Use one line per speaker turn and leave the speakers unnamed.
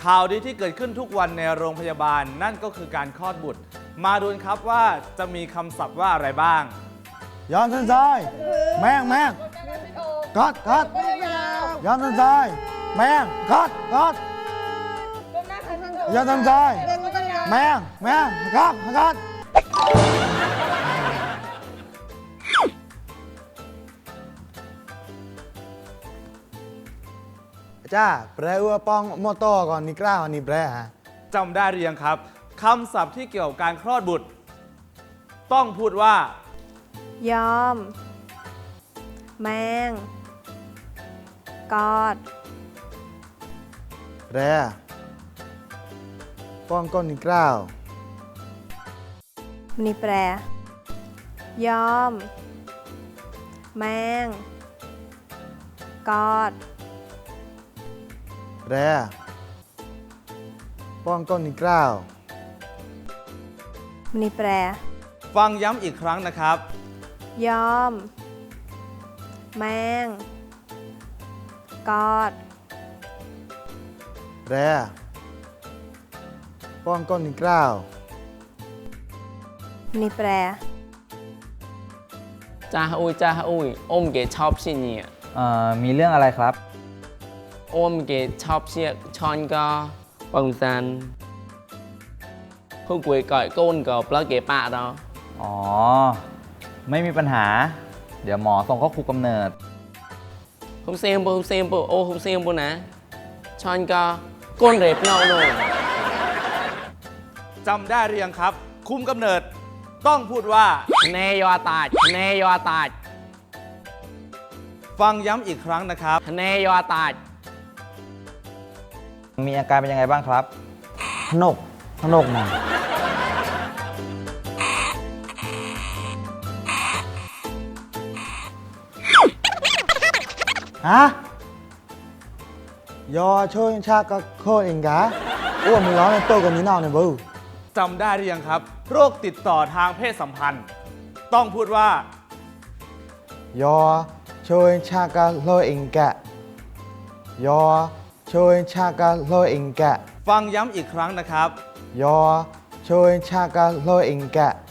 ข่าวดีที่เกิดขึ้นทุกวันในโรงพยาบาลนั่นก็คือการคลอดบุตรมาดูกันครับว่าจะมีคำศัพท์ว่าอะไรบ้าง
ยอมทันใจแม่งกัดยอมทันใจแม่งกัดยอมทันใจแม่งกัดจ้าแปลว่าปองมอตอก่อนนี่กล้าก่อนนี่แปลฮะ
จำได้หรือยังครับคำศัพท์ที่เกี่ยวกับการคลอดบุตรต้องพูดว่าย
อม แมง กอด
แปลป้องก้อนนี่กล้าว
นี่แปร ยอม แมง กอด
แปลป้องก้อนนี่กล้าว
นี่แปร
ฟังย้ำอีกครั้งนะครับ
ยอม แมง กอด
แปลป้องก้อนนี่กล้าว
นี่แปร
จ้าอุ้ยอมเกชอบสิเนี่ย
มีเรื่องอะไรครับ
อมเกชอบเชียชอนก็ปังซันผู้กวยก่อยก้นก็ปลาเกปะเรา
อ๋อ ไม่มีปัญหา เดี๋ยวหมอส่งเข้าคุกกำเนิด
ผมเซมปูโอ้ผมเซมปูนะชอนก็ก้นเร็บเนาหน่อย
จำได้หรือยังครับ คุมกำเนิดต้องพูดว่า
เนยอตาด
ฟังย้ำอีกครั้งนะครับ
เนยอตาด
มีอาการเป็นยังไงบ้างครับ
พนกหน่อยฮะยอช่วยชาก็โคเองกะอ้วนมึงร้องในโต๊ะกันนี้นอกเนี่ยบู
จำได้หรือยังครับ โรคติดต่อทางเพศสัมพันธ์ ต้องพูดว่าย
อช่วยชาก็โลเองกะยอช่วยชาก็โลเองกะ
ฟังย้ำอีกครั้งนะครับ
ยอช่วยชาก็โลเองกะ